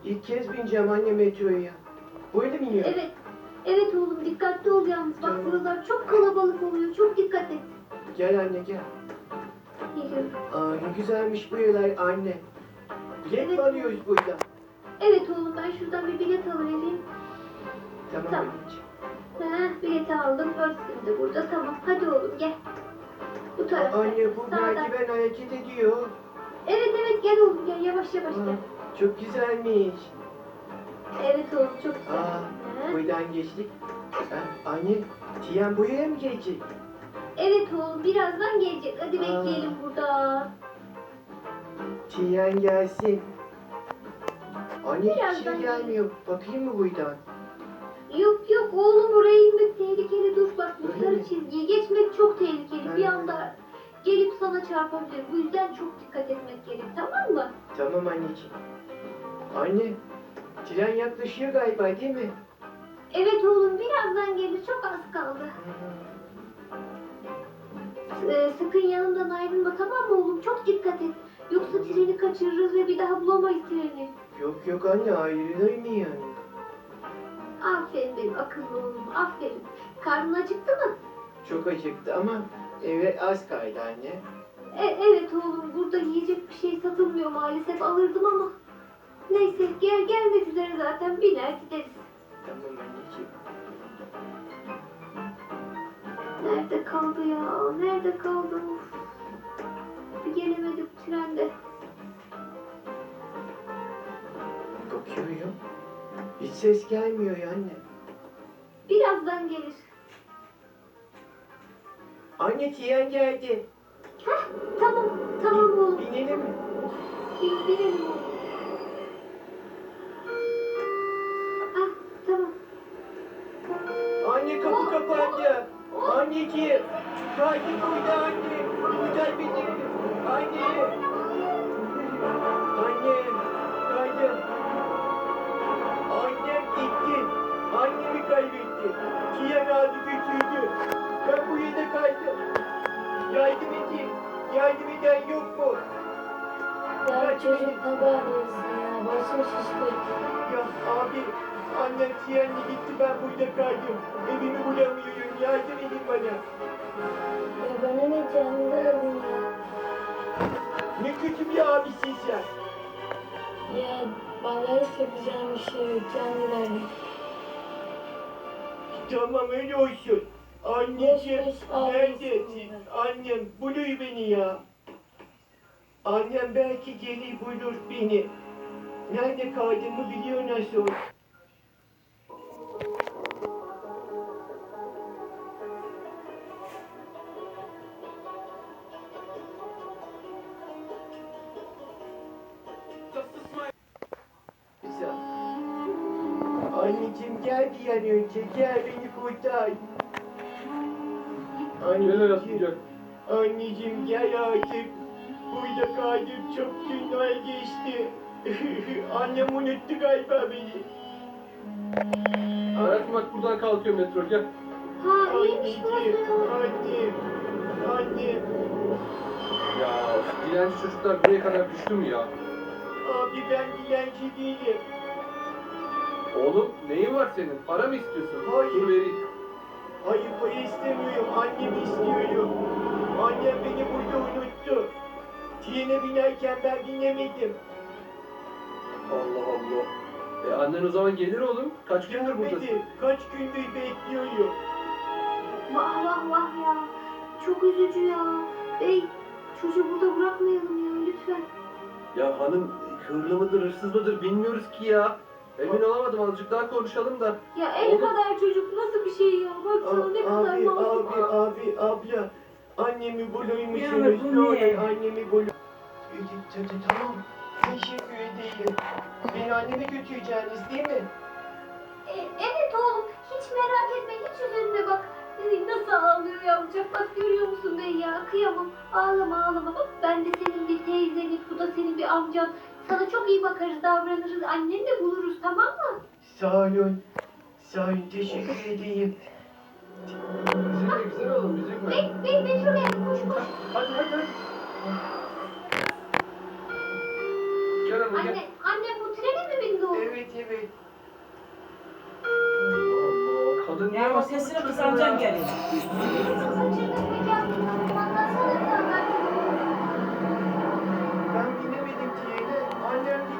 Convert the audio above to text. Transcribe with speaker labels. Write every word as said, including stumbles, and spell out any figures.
Speaker 1: İlk kez bineceğim anne metroya. Böyle mi iniyor?
Speaker 2: Evet. Evet oğlum dikkatli ol yalnız. Bak
Speaker 1: Tamam.
Speaker 2: buralar çok kalabalık oluyor. Çok dikkat et.
Speaker 1: Gel anne gel.
Speaker 2: Geliyorum.
Speaker 1: Aa ne güzelmiş bu yerler anne. Bilet
Speaker 2: Evet.
Speaker 1: mi alıyoruz burada?
Speaker 2: Evet oğlum ben şuradan bir bilet alıvereyim.
Speaker 1: Tamam
Speaker 2: Tamam.
Speaker 1: anneciğim.
Speaker 2: Heh, bileti aldım. Örtüm de burada. Tamam. Hadi oğlum gel. Bu
Speaker 1: Aa,
Speaker 2: tarafta.
Speaker 1: anne bu
Speaker 2: Sağdan.
Speaker 1: merdiven hareket ediyor.
Speaker 2: Evet evet gel oğlum gel. Yavaş yavaş
Speaker 1: Aa,
Speaker 2: gel.
Speaker 1: çok güzelmiş.
Speaker 2: Evet oğlum çok güzel.
Speaker 1: Aa,
Speaker 2: Heh.
Speaker 1: buradan geçtik. Aa, anne, Tiyan buraya mı gelecek?
Speaker 2: Evet oğlum birazdan gelecek. Hadi
Speaker 1: Aa.
Speaker 2: bekleyelim burada.
Speaker 1: Tiyan gelsin. Anne hiç
Speaker 2: Birazdan
Speaker 1: şey gelmiyor. Bakayım mı buradan?
Speaker 2: Yok yok oğlum oraya inmek tehlikeli. Dur bak bu
Speaker 1: Öyle
Speaker 2: sarı
Speaker 1: mi?
Speaker 2: çizgiyi geçmek çok tehlikeli. Bir
Speaker 1: Evet.
Speaker 2: anda gelip sana çarpabilir. Bu yüzden çok dikkat etmek gerek, tamam mı?
Speaker 1: Tamam anneciğim. Anne, tren yaklaşıyor galiba değil mi?
Speaker 2: Evet oğlum birazdan gelir. Çok az kaldı. Ee, sakın yanımdan ayrılma, tamam mı oğlum? Çok dikkat et. Yoksa treni kaçırırız ve bir daha bulamayız treni.
Speaker 1: Yok yok anne, ayrılır mı yani?
Speaker 2: Aferin benim akıllı oğlum. Aferin. Karnın acıktı mı?
Speaker 1: Çok acıktı ama eve az kaldı anne.
Speaker 2: E, evet oğlum burada yiyecek bir şey satılmıyor maalesef, alırdım ama. Neyse gel gelmek üzere zaten biner gideriz.
Speaker 1: Tamam anneciğim.
Speaker 2: Nerede kaldı ya? Nerede kaldı? Of. Gelemedim trende.
Speaker 1: Bakıyorum. Hiç ses gelmiyor ya anne.
Speaker 2: Birazdan gelir.
Speaker 1: Anne tren geldi.
Speaker 2: Heh, tamam tamam oğlum.
Speaker 1: Binelim mi?
Speaker 2: Bin, binelim oğlum. Ah tamam.
Speaker 1: Anne kapı kapandı. Anneciğim. Kaydı burada anne. Burada bizi. Anne. Anne. Kaydı. Annem gitti. Annemi kaybetti. Tren aldı götürdü. Ben bu yere kaydım. Yardım edin. Yardım eden yok mu?
Speaker 3: Ya çocuk ne bağırıyorsun ya? Başım şişti.
Speaker 1: Ya abi. Annem trenle gitti, ben burada kaydım. Evimi bulamıyorum. Yardım edin bana.
Speaker 3: Ya bana ne canını verdin ya?
Speaker 1: Ne kötü bir abisin sen.
Speaker 3: Ya vallahi hiç yapacağım bir şey yok. Canını verdin.
Speaker 1: Tamam öyle olsun. Anneciğim
Speaker 3: Boş boş ağlıyorsun
Speaker 1: neredesin?
Speaker 3: ben.
Speaker 1: Annem buluyor beni ya. Annem belki gelir bulur beni. Nerede kaldığımı biliyor nasıl olsa. Güzel. Anneciğim gel bir an önce, gel beni kurtar.
Speaker 4: Gel hayatım gel.
Speaker 1: Anneciğim gel artık. Burada kaldım, çok günler geçti. Annem unuttu galiba beni.
Speaker 4: Hayatım bak buradan kalkıyor metro gel.
Speaker 2: Ha iyiymiş
Speaker 1: Anneciğim,
Speaker 2: burası.
Speaker 1: annem, annem.
Speaker 4: Ya dilenci çocuklar buraya kadar düştü mü ya?
Speaker 1: Abi ben dilenci değilim.
Speaker 4: Oğlum neyin var senin? Para mı istiyorsun?
Speaker 1: Hayır.
Speaker 4: Dur vereyim.
Speaker 1: Hayır para istemiyorum, annemi istiyorum. Annem beni burada unuttu. Trene binerken ben binemedim.
Speaker 4: Allah Allah. E annen o zaman gelir oğlum. Kaç gündür buradasın?
Speaker 1: Gelmedi, kaç gündür bekliyorum.
Speaker 2: Vah vah vah ya. Çok üzücü ya. Bey çocuğu burada bırakmayalım ya lütfen.
Speaker 4: Ya hanım hırlı mıdır hırsız mıdır bilmiyoruz ki ya. Emin olamadım azıcık daha konuşalım da.
Speaker 2: Ya el
Speaker 4: Oğlum.
Speaker 2: kadar çocuk nasıl bir şey ya? Baksana ne kadar
Speaker 1: Abi,
Speaker 2: masum.
Speaker 1: abi, abi, abla. Annemi bulur musunuz?
Speaker 3: Ya, bu
Speaker 1: Ne olur
Speaker 3: ne?
Speaker 1: annemi bulur. Tamam, teşekkür ederim. Beni anneme götüreceğiniz değil mi?
Speaker 2: E, evet oğlum hiç merak etme hiç üzülme bak. E, Nasıl ağlıyor yavrucak bak görüyor musun bey ya kıyamam. Ağlama ağlama bak ben de senin bir teyzenin bu da senin bir amcan. Sana çok iyi bakarız davranırız anneni de buluruz tamam mı?
Speaker 1: Sağ olun. Sağ olun, teşekkür ederim.
Speaker 4: Üzülme güzel oğlum üzülme.
Speaker 2: Bey bey bey şuraya koş koş.
Speaker 4: Hadi hadi hadi. Gel tarafa gel.
Speaker 2: Anne, annem bu trene mi bindi oğlum?
Speaker 1: Evet evet.
Speaker 4: Allah Allah. Kadın niye
Speaker 5: Ya o
Speaker 4: basmış
Speaker 5: sesini
Speaker 4: çocuğa
Speaker 5: kısalacağım
Speaker 4: ya?
Speaker 5: geliyor.
Speaker 2: Kaçırdık